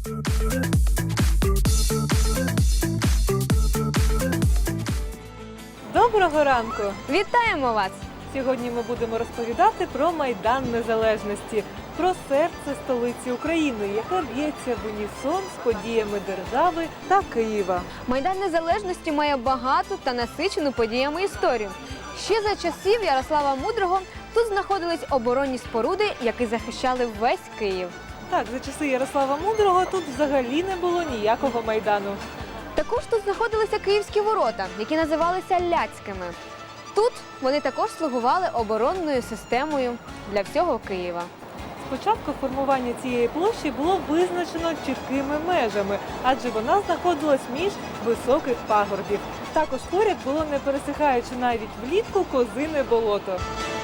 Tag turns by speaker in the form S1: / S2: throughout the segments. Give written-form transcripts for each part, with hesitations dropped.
S1: Доброго ранку!
S2: Вітаємо вас!
S1: Сьогодні ми будемо розповідати про Майдан Незалежності, про серце столиці України, яке б'ється в унісон з подіями держави та Києва.
S2: Майдан Незалежності має багату та насичену подіями історію. Ще за часів Ярослава Мудрого тут знаходились оборонні споруди, які захищали весь Київ.
S1: Так, за часи Ярослава Мудрого тут взагалі не було ніякого Майдану.
S2: Також тут знаходилися Київські ворота, які називалися Ляцькими. Тут вони також слугували оборонною системою для всього Києва.
S1: Спочатку формування цієї площі було визначено чіткими межами, адже вона знаходилась між високих пагорбів. Також поряд було, не пересихаючи навіть влітку, Козине болото.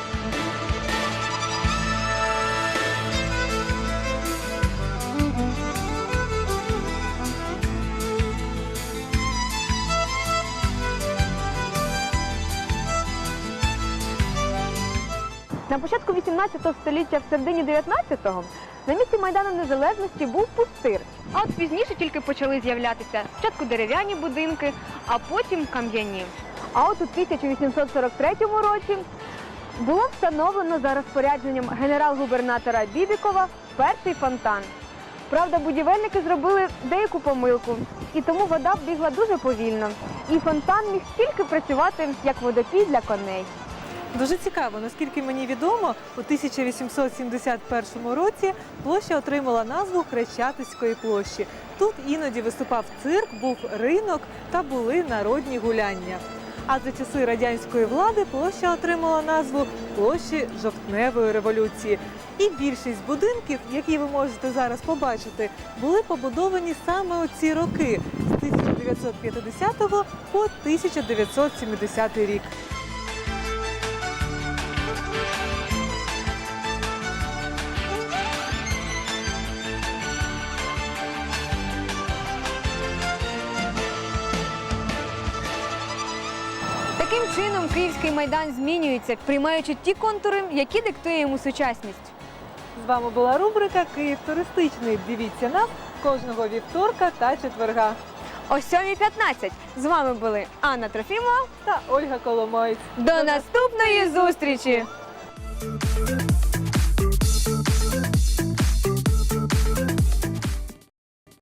S2: На початку 18 століття, в середині 19-го, на місці Майдану Незалежності був пустир. А от пізніше тільки почали з'являтися спочатку дерев'яні будинки, а потім кам'яні. А от у 1843 році було встановлено за розпорядженням генерал-губернатора Бібікова перший фонтан. Правда, будівельники зробили деяку помилку, і тому вода бігла дуже повільно. І фонтан міг тільки працювати як водопій для коней.
S1: Дуже цікаво, наскільки мені відомо, у 1871 році площа отримала назву Хрещатицької площі. Тут іноді виступав цирк, був ринок та були народні гуляння. А за часи радянської влади площа отримала назву площі Жовтневої революції. І більшість будинків, які ви можете зараз побачити, були побудовані саме у ці роки з 1950 по 1970 рік.
S2: Таким чином, Київський Майдан змінюється, приймаючи ті контури, які диктує йому сучасність.
S1: З вами була рубрика «Київ туристичний». Дивіться нас кожного вівторка та четверга.
S2: О 7:15 з вами були Анна Трофімова
S1: Та Ольга Коломоєць.
S2: До наступної зустрічі!